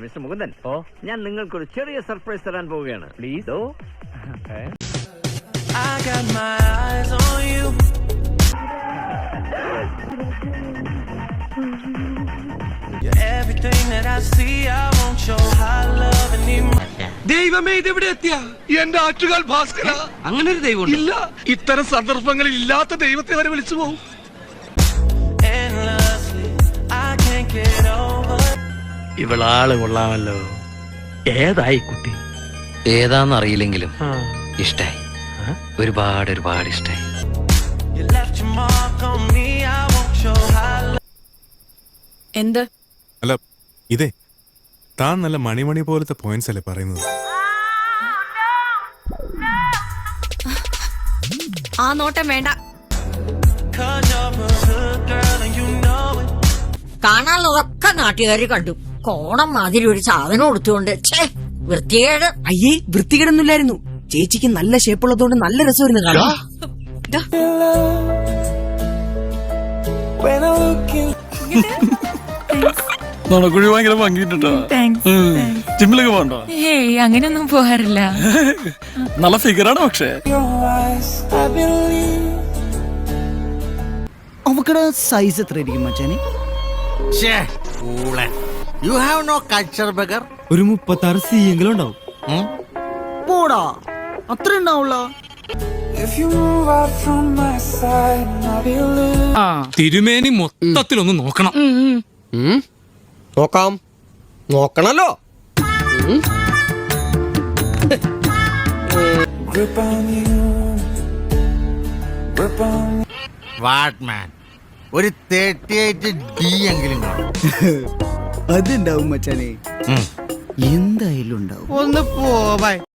Mister Mukundan, ഞാൻ നിങ്ങൾക്കൊരു ചെറിയ സർപ്രൈസ് തരാൻ പോവുകയാണ്. Please. I got my eyes on you. You're everything that I see. I want your high love and emotion. ദൈവമേ, ഇതെവിടെ എത്തിയ എന്റെ ആറ്റുകാൽ ഭാസ്കര. അങ്ങനെ ഒരു ദൈവം ഇല്ല, ഇത്തരം സന്ദർഭങ്ങളിൽ ഇല്ലാത്ത ദൈവത്തെ വരെ വിളിച്ചു പോകും. Endlessly, I can't get over. ഇവളാള് കൊള്ളാമല്ലോ. ഏതായി കുട്ടി? ഏതാന്നറിയില്ലെങ്കിലും ഇഷ്ടായി, ഒരുപാട് ഒരുപാട് ഇഷ്ടായി. You left your mark on me. I want your high love. എന്ത്? അല്ല, ഇതേ താൻ നല്ല മണിമണി പോലത്തെ പോയിന്റ്സ് അല്ലേ പറയുന്നത്? ആ നോട്ടം വേണ്ട. 'Cause you're a good girl and you know it. കാണാനുള്ളതൊക്കെ നാട്ടുകാർ കണ്ടു. കോണം മാതിരി ഒരു സാധനം കൊടുത്തുകൊണ്ട് വൃത്തികേട്. അയ്യേ, വൃത്തികേടൊന്നുമില്ലായിരുന്നു. ചേച്ചിക്ക് നല്ല ഷേപ്പുള്ളതുകൊണ്ട് നല്ല രസമായിരുന്നു കാണാൻ. When I look in. നടക്കുഴി ഭയങ്കര ഭംഗിട്ടോ. ജിമ്മിലൊക്കെ പോകണ്ടോ? ഏയ്, അങ്ങനെയൊന്നും പോകാറില്ല. നല്ല ഫിഗറാണ് പക്ഷേ. അവക്കടെ സൈസ് എത്ര ആയിരിക്കും മച്ചാനെ? You have no culture, beggar. ഒരു 36 C എങ്കിലും ഉണ്ടാവും. പോടാ, അത്ര ഉണ്ടാവുള്ള. തിരുമേനി മൊത്തത്തിലൊന്ന് നോക്കണം. നോക്കാം, നോക്കണല്ലോ. വാട്ട്മാൻ ഒരു 38 D എങ്കിലും കാണും. അതുണ്ടാവും മച്ചാനെ, എന്തായാലും ഉണ്ടാവും. ഒന്ന് പോവാ.